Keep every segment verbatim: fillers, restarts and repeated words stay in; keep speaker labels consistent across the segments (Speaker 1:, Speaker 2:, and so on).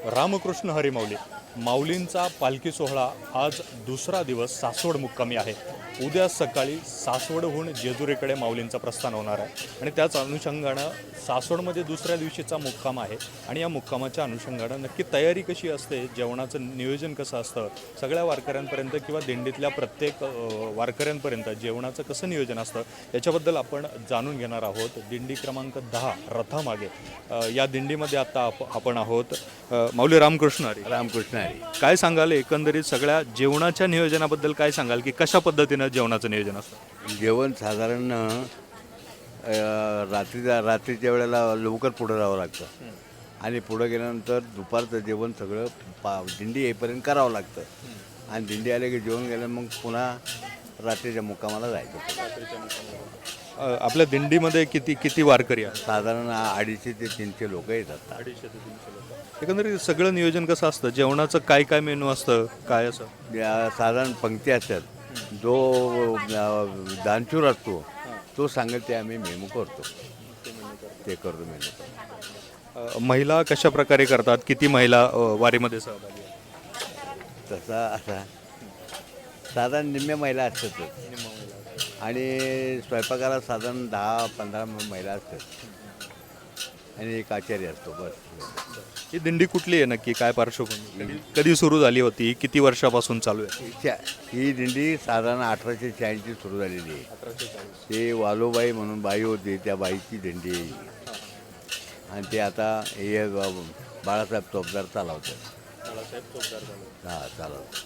Speaker 1: रामकृष्ण हरी माऊली माऊलींचा पालखी सोहळा आज दुसरा दिवस सासवड मुक्कामी आहे। उद्या सकाळी सासवडहून जेजुरीकडे माऊलींचा प्रस्थान होणार आहे आणि त्याच अनुषंगानं सासवडमध्ये दुसऱ्या दिवशीचा मुक्काम आहे आणि या मुक्कामाच्या अनुषंगानं नक्की तयारी कशी असते, जेवणाचं नियोजन कसं असतं, सगळ्या वारकऱ्यांपर्यंत किंवा दिंडीतल्या प्रत्येक वारकऱ्यांपर्यंत जेवणाचं कसं नियोजन असतं याच्याबद्दल आपण जाणून घेणार आहोत। दिंडी क्रमांक दहा रथामागे या दिंडीमध्ये आता आप आपण आहोत। माऊली रामकृष्ण हरी।
Speaker 2: रामकृष्ण हरी।
Speaker 1: काय सांगाल एकंदरीत सगळ्या जेवणाच्या नियोजनाबद्दल काय सांगाल की कशा पद्धतीनं जेवणाचं नियोजन असतं?
Speaker 2: जेवण साधारण रात्रीच्या रात्रीच्या वेळेला लवकर पुढं जावं लागतं आणि पुढं गेल्यानंतर दुपारचं जेवण सगळं पा दिंडी येईपर्यंत करावं लागतं आणि दिंडी आले की जेवण गेलं मग पुन्हा रात्रीच्या मुक्कामाला जायचं।
Speaker 1: आपल्या दिंडीमध्ये किती किती वारकरी आहेत?
Speaker 2: साधारण अडीचशे ते तीनशे लोक येतात।
Speaker 1: अडीचशे ते तीनशे लोक। एकंदरीत सगळं नियोजन कसं असतं? जेवणाचं काय काय मेनू असतं, काय असं?
Speaker 2: साधारण पंक्ती असतात, जो दानशूर असतो तो सांगेल ते आम्ही मेनू करतो, ते करतो मेनू।
Speaker 1: महिला कशा प्रकारे करतात? किती महिला वारीमध्ये सहभागी आहेत?
Speaker 2: तसा असा साधारण निम्म्या महिला असतातच आणि स्वयंपाकाला साधारण दहा पंधरा महिला असतात आणि एक आचार्य असतो बस।
Speaker 1: ही दिंडी कुठली आहे नक्की, काय पार्श्वभूमी, कधी सुरू झाली होती, किती वर्षापासून चालू आहे?
Speaker 2: ही दिंडी साधारण अठराशे शहाऐंशी सुरू झालेली आहे। अठराशे चाळीस ते वालोबाई म्हणून बाई होती, त्या बाईची दिंडी आहे आणि ते आता हे बाळासाहेब चोपदार चालवतात।
Speaker 1: बाळासाहेब चोपदार
Speaker 2: हां चालवतात।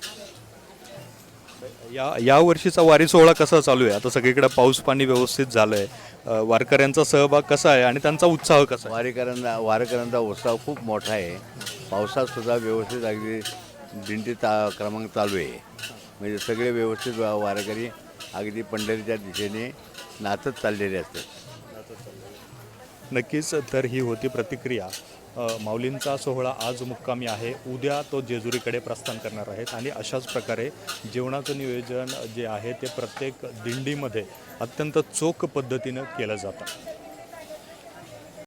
Speaker 1: या या वर्षीचा वारी सोहळा कसा चालू आहे? आता सगळीकडे पाऊस पाणी व्यवस्थित झालं आहे, वारकऱ्यांचा सहभाग कसा आहे आणि त्यांचा उत्साह कसा आहे?
Speaker 2: वारकऱ्यांना वारकऱ्यांचा उत्साह खूप मोठा आहे। पावसात सुद्धा व्यवस्थित अगदी दिंडी ता क्रमांक चालू आहे, म्हणजे सगळे व्यवस्थित वारकरी अगदी पंढरीच्या दिशेने नाचत चाललेले असतात।
Speaker 1: नक्कीच, तर ही होती प्रतिक्रिया। माऊलींचा सोहळा आज मुक्कामी आहे, उद्या तो जेजुरीकडे प्रस्थान करणार आहेत आणि अशाच प्रकारे जेवणाचं नियोजन जे आहे ते प्रत्येक दिंडीमध्ये अत्यंत चोख पद्धतीनं केलं जातं।